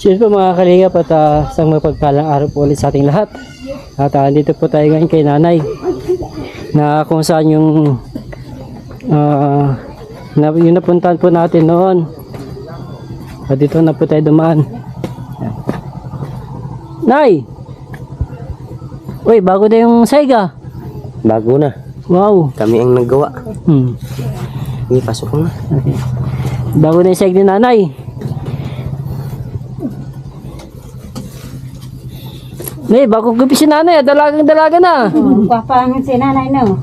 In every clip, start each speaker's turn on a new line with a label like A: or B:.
A: Siyempre po mga kalingap at isang mapagpalang araw po ulit sa ating lahat. At dito po tayo ngayon kay nanay na kung saan yung yung napuntahan po natin noon. At dito na po tayo dumaan. Yan. Nay! Uy, bago na yung saiga.
B: Bago na.
A: Wow.
B: Kami ang naggawa. Hindi, pasok ko na.
A: Okay. Bago na yung saiga ni nanay. Nay, bago gabi si nanay, dalagang-dalaga na.
C: Papangan si nanay no.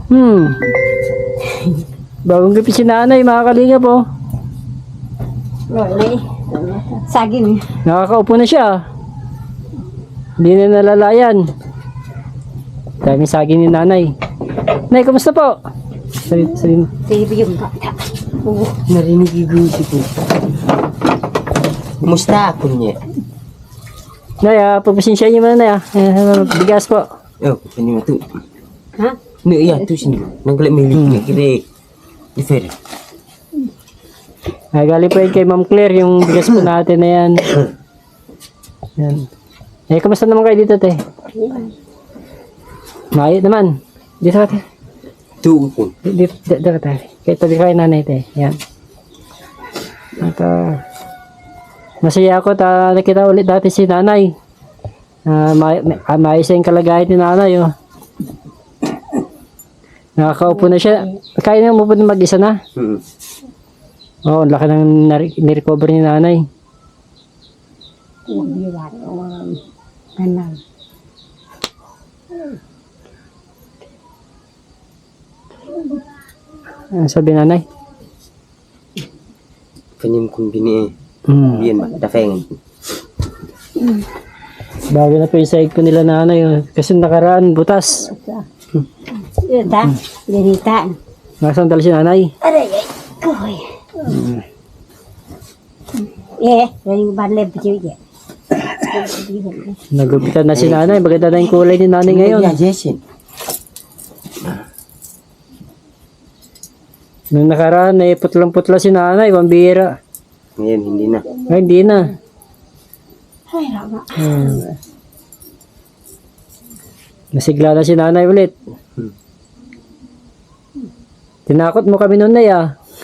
A: Bagong gabi si nanay, mga kalingap po.
C: Loli. Saging.
A: Nakakaupo na siya. Hindi na nalalayan. Daming saging ni nanay. Nay, kumusta po? Sabi mo.
C: Sige yung bata.
A: Narinig yung gusi ko.
B: Kumusta ako niya?
A: Nay, pagpasensya niyo muna, nay. Bigas po.
B: Oh, kanina tu.
C: Ha?
B: No, iya tu sini. Nanggalak milik ni kira. Ifer.
A: Galing po yun kay Ma'am Claire, yung bigas po natin na yan. Yan. Kamusta naman kayo dito, te? Mayot naman. Dito ka, te.
B: Tu pun.
A: Dito ka, te. Kaya tabi kayo nanay, te. Yan. At, masaya ako at nakita ulit dati si nanay. Maayos yung kalagayan ni nanay, oh. Nakakaupo na siya. Kaya na umupo na mag-isa na. Oo, laki ng nirecover ni nanay. Ano sabi nanay?
B: Kanyang kumbini. Yan ba? Dafeng.
A: Bago na po yung sahig ko nila nanay. Oh. Kasi nakaraan, butas.
C: Ita. Ganita.
A: Nakasandal si nanay.
C: Aray. Koy. Dari balay biji.
A: Nagupitan na si nanay. Maganda na yung kulay ni nanay ngayon.
B: Ya, Jason.
A: Nung nakaraan, putlang-putla si nanay. Pambira.
B: Ngayon, hindi na.
A: Ay, hindi na.
C: Ay, rama.
A: Nasigla na si nanay ulit. Tinakot mo kami noon na ya.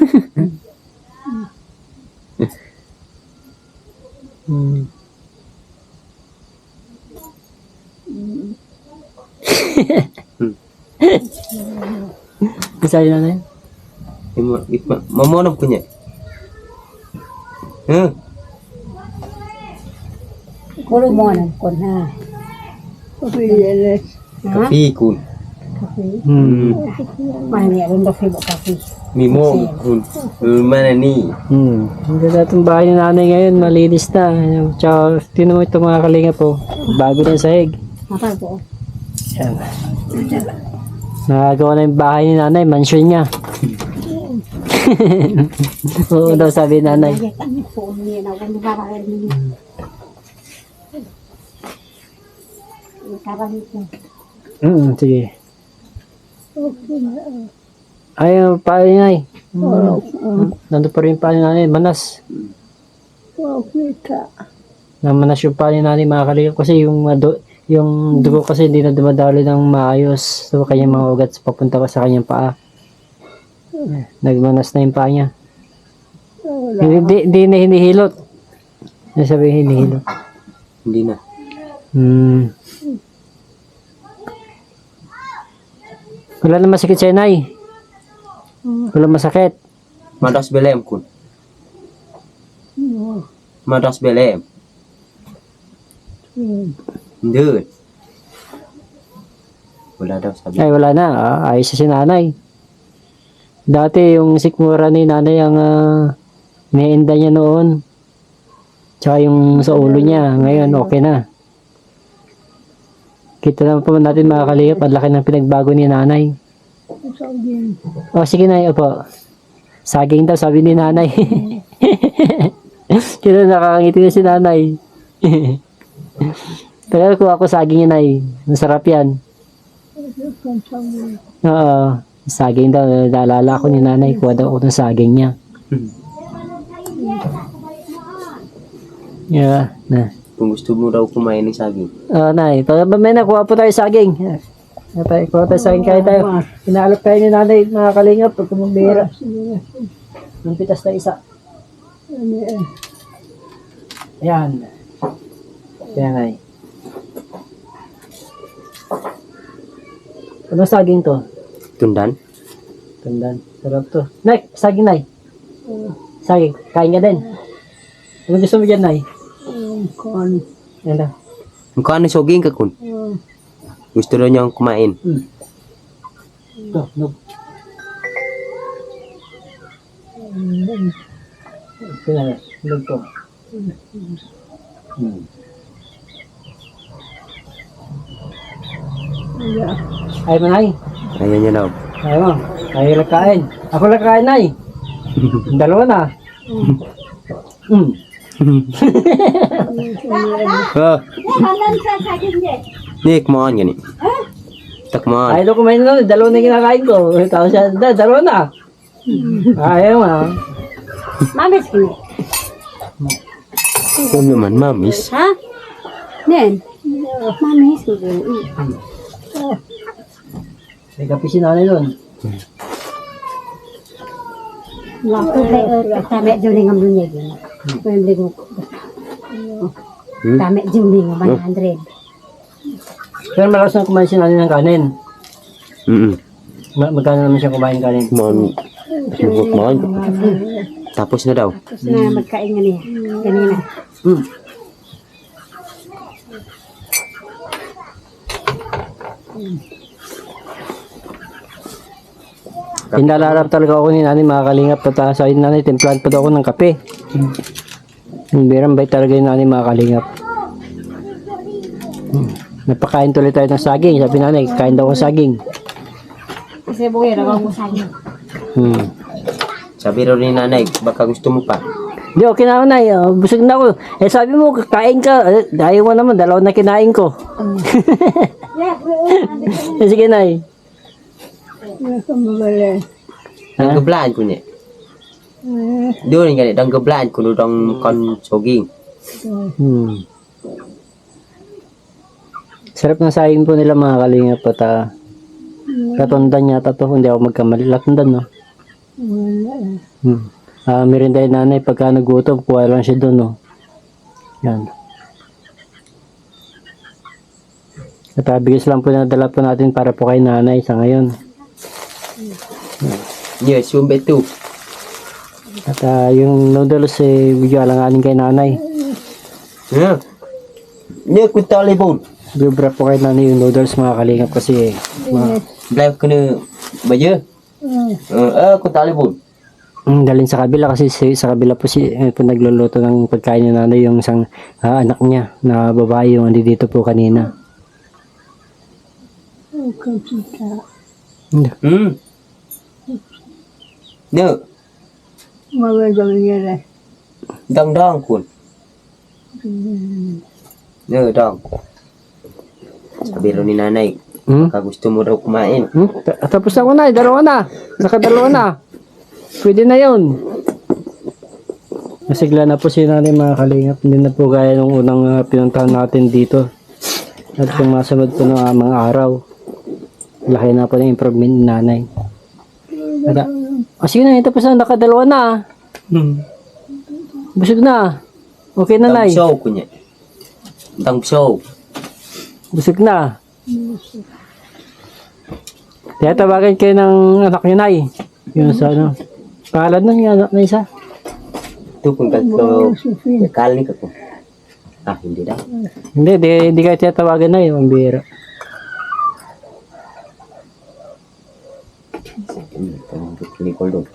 A: Isa yun nanay.
B: Mamonop ko niya.
C: Kulo mo na ko na.
B: Kapi kun.
C: Mani rin do fibo kapi.
B: Mimo kun. Mana ni?
A: Ang ganda itong bahay ni nanay ngayon. Malinis na. Tsaka, tinan mo ito mga kalinga po. Bago na yung sahig.
C: Apa po?
A: Yan. Nagagawa na yung bahay ni nanay. Mansion niya. Oo daw sabi ni nanay. Sige. Ay, paano nanay? Nandun pa rin paano nanay. Manas. Namanas yung paano nanay mga kalinga. Kasi yung dugo kasi hindi na dumadalo ng maayos. So, kanyang mga ugat papunta pa sa kanyang paa. Nagmanas na yung paa niya. Hindi na hinihilot. Ano sabihin hinihilot?
B: Hindi na.
A: Wala na masakit siya, nay. Wala masakit.
B: Madas belem kun. Madas belem. Hindi. Wala daw sabi.
A: Ay, wala na. Ayos si nanay. Dati yung sikmura ni nanay ang iniinda niya noon. Tsaka yung sa ulo niya. Ngayon, okay na. Kita naman po natin mga kaliyap. Ang laki ng pinagbago ni nanay. O, sige na. Opo. Saging daw, sabi ni nanay. Kaya nakakangiti na si nanay. Pero kung ako saging yun ay masarap yan. Oo. Saging daw. Naalala ko ni nanay. Kuha daw ako ng saging niya. Yeah, na.
B: Kung gusto mo daw kumain ng saging.
A: Nay, pag may nakuha po tayo saging. Kuha tayo saging kaya tayo. Inaalok tayo ni nanay, mga kalingap, pag kumambira. Yung pitas na isa. Ayan. Ayan, nay. Ano saging to?
B: Tundan?
A: Tandaan. Sarap to. Nay, saging, nay. Saging, kain ka din. Ano gusto mo dyan, nay?
C: Kon.
A: Yan na.
B: Kung ano saging ka kun? Gusto daw niyang kumain.
A: Ito, no. Ito na, hulog to. Ay mo, nay.
B: Ayaw niya daw.
A: Ay mo. Ay lang kain. Ako lang kain, nay. Dalawa na.
B: Oh, Nick, mo on gani. Tak mo on.
A: Ay, do kumain na. Dalawa na yung kinakain ko. Tapos siya, dalawa na. Ayaw mo.
C: Mamis ko.
B: Kung naman, mamis.
C: Ha? Nen. Mamis ko.
A: May kape si nanay doon.
C: Waktu saya kami juling ang dunia gini. Pembeli ko. Kami juling ang 100.
A: Pero malakas na kumain si nanay ng kanin. Magkano naman siya kumain kanin?
B: Mon. Tapos na daw.
C: Tapos na magkain nga niya. Kanina.
A: Pinalarap talaga ako ni nanay, mga kalingap. At sa nanay, timplahan pa daw ako ng kape. Birang bay talaga yung nanay, mga kalingap. Napakain tuloy tayo ng saging. Sabi nanay, kain daw ako saging.
C: Kasi buhay na ako sa akin.
B: Sabi raw ni nanay, baka gusto mo pa.
A: Di, okay na ako, nay. Busog na ako. Eh, sabi mo, kain ka. Ayaw mo naman, dalawa na kinain ko. Sige, nay.
B: Danggablaan ko niya. Doon nga, danggablaan ko nung kon saging.
A: Sarap ng saging po nila, mga kalingap. At katundan yata to. Hindi ako magkamali. Latundan, no? Merinda yung nanay. Pagka nagutom, kuha lang siya doon, no? Yan. At bigis lang po na dala po natin para po kay nanay sa ngayon.
B: Yes, yung beto.
A: At yung noodles, video alanganin kay nanay.
B: Yeah. Yeah, kung talibon.
A: Bibra po kay nanay yung noodles, mga kalingap, kasi
B: Black ko na bayo. Kung talibon.
A: dalhin sa kabila kasi sa kabila po po nagluluto ng pagkain ni nanay yung isang anak niya na babae yung andi dito po kanina.
B: No.
C: Magandang nangyari.
B: Dang kun. No, dang. Sabi raw ni nanay, baka gusto mo raw kumain.
A: Tapos na ako, na, dalawa na. Nakadalawa na. Pwede na yun. Nasigla na po si nanay, mga kalingap. Hindi na po gaya nung unang pinuntahan natin dito. At kung masunod po ng mga araw, laki na po ng improvement ni nanay. At, sige na, tapos na, nakadalawa na. Busog na. Okay na, nay.
B: Dang show ko niya. Dang show.
A: Busog na. Kaya tawagan kayo ng anak niyo, nay. Yung sa ano. Pangalan nun yung anak na isa.
B: Ito kung kaklo. Kakali ka ko. Hindi daw.
A: Hindi kayo tiyatawagan na yung biro.
B: Nicole doon.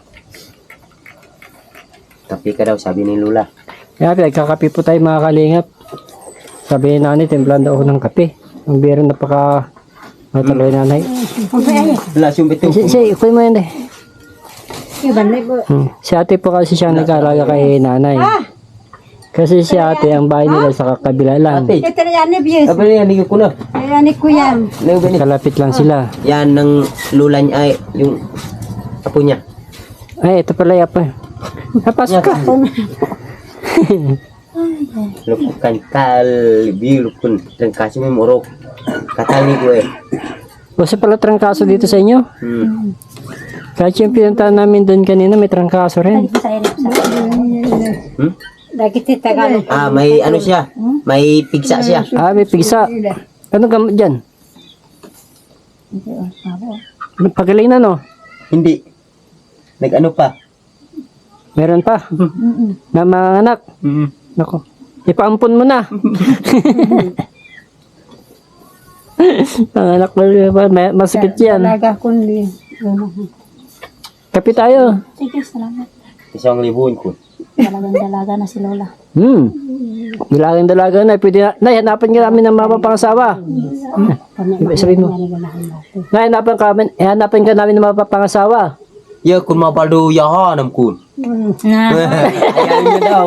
B: Kapi ka daw, sabi ni Lula.
A: Kaya nagkakape po tayo, mga kalingap. Sabi ni nanay, timplan daw ako ng kape. Ang biro napaka mataloy nanay.
B: Wala siyong beto.
A: Ikuy mo yun eh.
C: Iban na po.
A: Si ate po kasi siya nag-aalaga kay nanay. Kasi si ate, ang bahay nila sa kabila lang.
B: Ate,
C: Ito na yan ni Bies.
B: sabi niya, hindi ko na.
C: Yan ni Kuya.
A: Kalapit lang sila.
B: Yan ng Lula niya ay yung apo niya.
A: Ay, ito pala yapa. Napasok ka.
B: Lukukan kal lukun dan kasih memorok. Kata ni gue.
A: Kasi pala trangkaso dito sa inyo. Kahit yung pinuntahan namin doon kanina, may trangkaso rin.
B: Hmm?
C: Dagiti Tagalog.
B: May ano siya? May pigsa siya.
A: May pigsa. Anong gamot dyan? Pagaling na, no?
B: Hindi. Nag-ano pa?
A: Meron pa. Na mga anak. Nako. Ipaampun mo na. Mga anak mo, masakit yan.
C: Talaga kundi.
A: Kapi tayo.
C: Sige, salamat.
B: 1,000 ko.
C: Talagang dalaga na si Lola.
A: Dalagang na. Pwede na. Nay, hanapan ka namin ng mapapangasawa. Sabihin mo. Nay, hanapan ka namin ng mapapangasawa.
B: Ya kun mapaldo yahanam kun. Ayaw niya daw.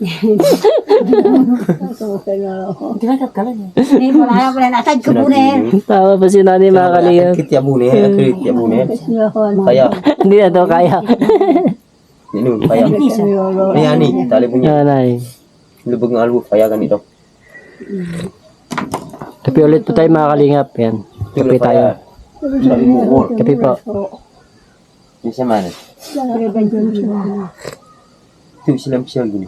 C: Ni wala pa na asad ko puner.
A: Tama pa si Nani mga kalingap.
B: Kit ya bune, kit ya bune. Kaya,
A: Hindi na daw kaya.
B: ini kaya. Ni ani, tali punya.
A: Nanay.
B: Lubog ng albo kaya ganito.
A: Kapi ulit po tayo mga kalingap. Yan. Kapi tayo. Kapi po.
B: Ni sa mana? Tu silam gini.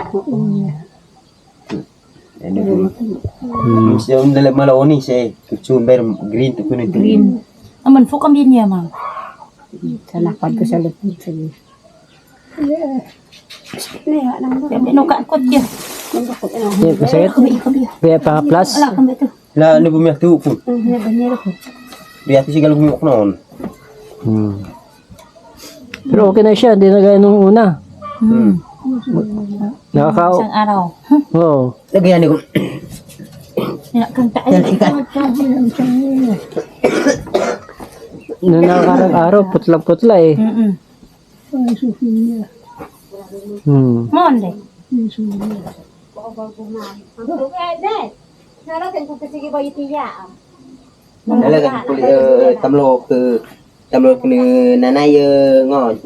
B: Ano po? Siya dalam malawani siya. Kutsumber green to kuno green.
C: Aman fo kami niya ma. Salakad ko sa lupit sa niya. No ka kot ya.
A: Yan, masakit. Kaya pa plus.
C: Ala kami to.
B: La ano bumiyak tu po?
C: Banero ko.
B: Biya tu sigalo bumiyak noon.
A: Pero okay na siya. Hindi na gaya nung una.
C: Isang araw.
A: Oo.
B: Lagayan ni ko.
C: Kang tayo.
A: Noong nakarang araw, putlang-putla eh.
C: Monde.
B: Lagayan ko tamlo ke nanay ngon.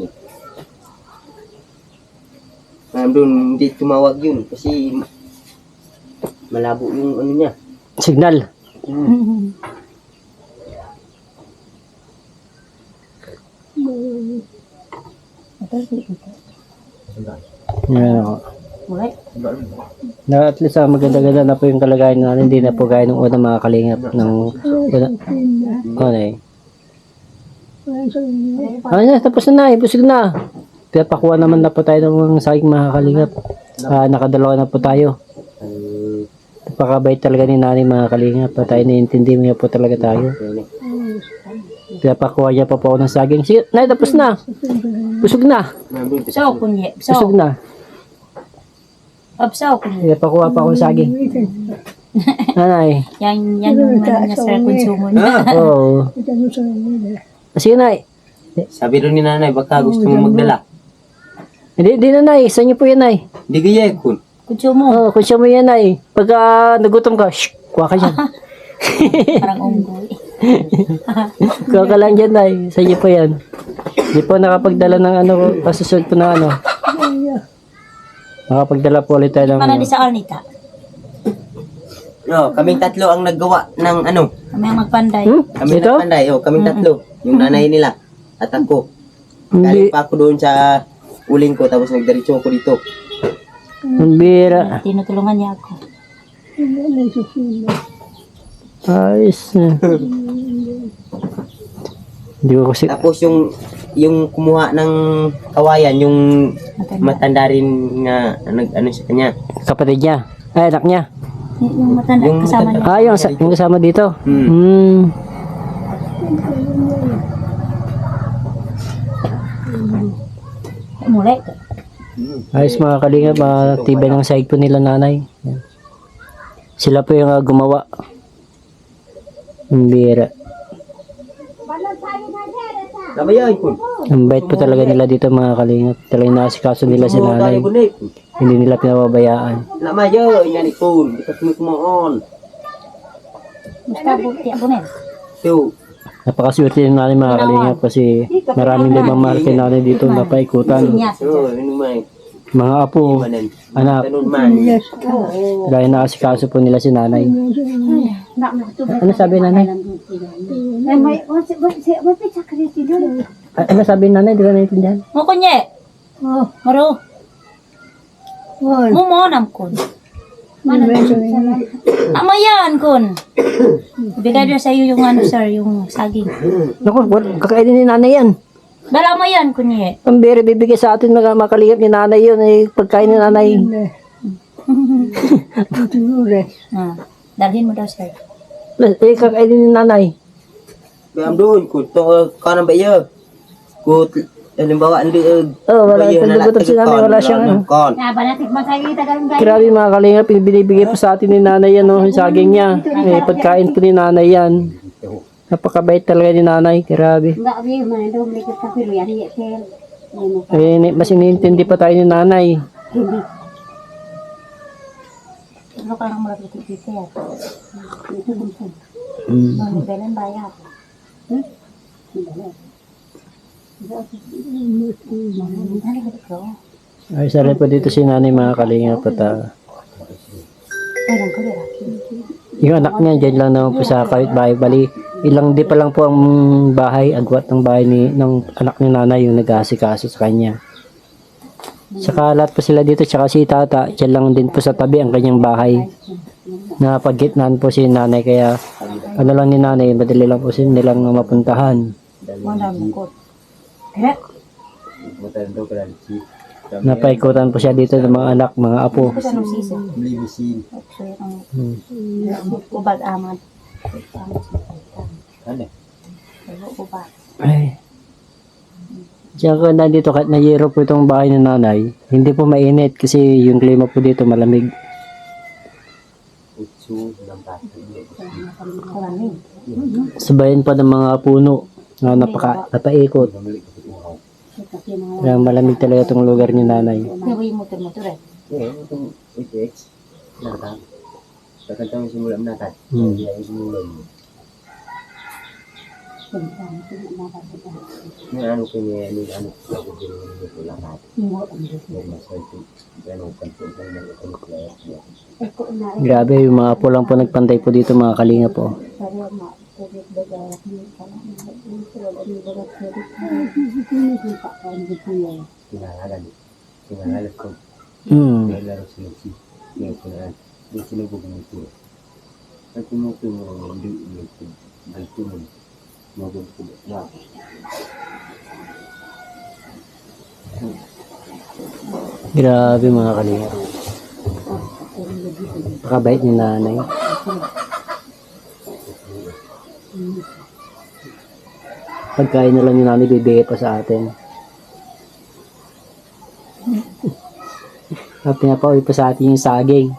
B: Doon di tumawag yun kasi malabo yung ano niya.
A: Signal. Yan ako. Na at least maganda-ganda na po yung kalagayan natin. Hindi na po gaya ng unang mga kalingap ng una. Ano eh. Ano na, tapos na busog na. Pinapakuha naman na po tayo ng saging mga kalingap. Nakadalawa na po tayo. Napakabait talaga ni Nani mga kalingap. Tayo naiintindi mo po talaga tayo. Pinapakuha niya pa po ako ng saging. Sige, Nay, tapos na. Busog na.
C: So kunye.
A: Busog na.
C: Absaw kunye.
A: Pinapakuha pa ako ng saging. Nanay.
C: Yan yung ano niya sa konsumo niya.
A: Oo. Sige, Nay.
B: Sabi rin ni nanay baka gusto mo magdala.
A: Hindi na, Nay. Saan niyo po yan, Nay?
B: Hindi kaya kun.
C: Konsumo.
A: Oo, kung siya mo yan, Nay. Pagka nagutom ka, shh, kuha ka dyan.
C: Parang unggoy.
A: Kuha ka lang dyan, Nay. Saan niyo po yan? Hindi po nakapagdala ng ano, pasusunod po na ano. Nakapagdala po ulit tayo ng
C: Para di sa Arnita.
B: No, kaming tatlo ang naggawa ng ano.
C: Kami ang magpanday.
B: Kami
A: Ito?
B: nagpanday, kaming tatlo. Yung nanay nila at ako.
A: Hindi.
B: Galing pa ako doon sa uling ko tapos nagdiretso ako dito.
A: Ang bira.
C: Tinutulungan niya ako.
A: Ayos na. Hindi ko kasi...
B: Tapos yung kumuha ng kawayan, yung matanda rin nga ano sa kanya.
A: Kapatid niya. Ay, anak niya.
C: Yung matanda
B: Yung
C: kasama niya.
A: Yung kasama dito.
C: Muli.
A: Ayos mga kalingap, tibay ng sahig po nila nanay. Yan. Sila po yung gumawa. Ang bira.
B: Labayan ko.
A: Ang bait po talaga nila dito mga kalingap. Talagang nakasikaso nila si nanay. Hindi nila pinababayaan.
B: Lamayo, yan ikon. Bikas mo kumaon.
C: Basta buti ako na.
B: So,
A: Napakaswerte yung nanay mga kalingap kasi maraming limang mahal kay nanay dito napaikutan.
C: Sinya.
B: so, ano may.
A: mga apo,
B: Manen.
A: anak.
B: Tanun man.
A: Dahil nakasikaso po nila si nanay.
C: Nak nak tu.
A: Ano sabi nanay?
C: May wala sakri sila.
A: Ano sabi nanay? Di ko naintindihan.
D: Mo kunye.
C: Oh,
D: Maro. Mo mo nam kun.
C: mana
D: Amayan kun. Bigay din sa iyo yung ano sir, yung saging.
A: Naku, kakainin ni nanay yan.
D: Dala amayan kunye.
A: Ang bere bibigay sa atin mga makalingap ni nanay yun. Eh, pagkain ni nanay.
D: Ah, dalhin mo daw sir.
A: Eh, kakainin ni nanay.
B: Bayam doon ko to kanan ba iya. Ko halimbawa andi
A: Oh, wala pagbubutan si nanay. Wala siyang ano.
B: kon.
C: na banatik masakita kan guys.
A: Grabe mga kalingap, binibigay pa sa atin ni nanay yan, no, yung saging niya. Eh, pagkain po ni nanay yan. Napakabait talaga ni nanay, grabe.
C: Enggak bi mana do mereka kafir ya ni tel.
A: Eh,
C: Ini
A: mas inintindi pa tayo ni nanay.
C: hindi.
D: Ano ka nang mulai titi ya?
C: Itu bukan.
A: Mm.
D: Mau belen bayar. Dali ka dito.
A: Ay, sarap po dito si nanay mga kalingap at
D: Ay, lang ko dira.
A: yung anak niya dyan lang naman po sa kahit bahay. Bali, ilang di pa lang po ang bahay, agwat ng bahay ng anak ni nanay yung nag-aasikaso sa kanya. Saka lahat po sila dito, tsaka si tata, dyan lang din po sa tabi ang kanyang bahay. Na paggitnaan po si nanay, kaya ano lang ni nanay, madali lang po nilang mapuntahan.
D: Mo dam ko. Eh,
B: Matando ka lang si.
A: Napaikutan po siya dito ng mga anak, mga apo.
D: ko sa nung sisi.
B: Beli mesin.
D: Actually, ang
A: Hmm.
D: ubag amad.
B: Ano?
D: Ubag.
A: Ay. Diyan ko nandito kahit nayero po itong bahay ng nanay, hindi po mainit kasi yung klima po dito malamig.
B: Utsu ng bata.
D: Malamig.
A: Sabayan pa ng mga puno na napaikot. Kaya malamig talaga itong lugar ni nanay.
D: Kaya yung motor-motor eh.
B: Eh, itong UTX. Nakatang. Kakantang simula menatad.
A: Hmm.
B: Dia yang simula. Ni anu punya ni anu aku bilang ni tu lah. Dari masa itu dia nak kontrol dengan
A: Grabe, yung mga apo lang po nagpantay po dito mga kalinga po.
B: Tinggalan. Tinggalan kau.
A: Hmm.
B: Dia harus seleksi. Dia kena dia sini bukan itu. Aku mau tu mau di itu. Itu mau tu ya.
A: Grabe mga kalinga. Pakabait ni nanay. Pagkain na lang ni nanay, bibigay pa sa atin. At pinapauwi pa sa atin yung saging.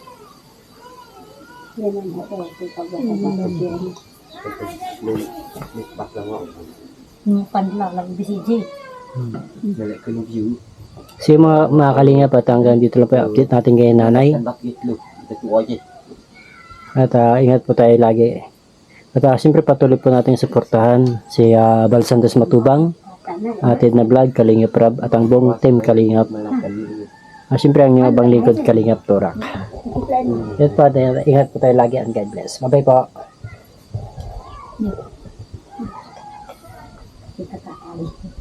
B: Bak lang ako.
D: Yung panla lang BCJ.
B: Balik ke view.
A: So yung mga kalinga pa, hanggang dito lang po yung update natin kay nanay.
B: Kan bakit lu. Kita tu aja.
A: At ingat po tayo lagi. At siyempre patuloy po natin suportahan si Bal Santos Matubang, Atid na Vlog, Kalingap Rab, at ang buong team Kalingap. Siyempre ang inyong abang lingkod Kalingap Torak. Yan po, ingat po tayo lagi and God bless. Bye-bye po.
C: Kita tak tahu.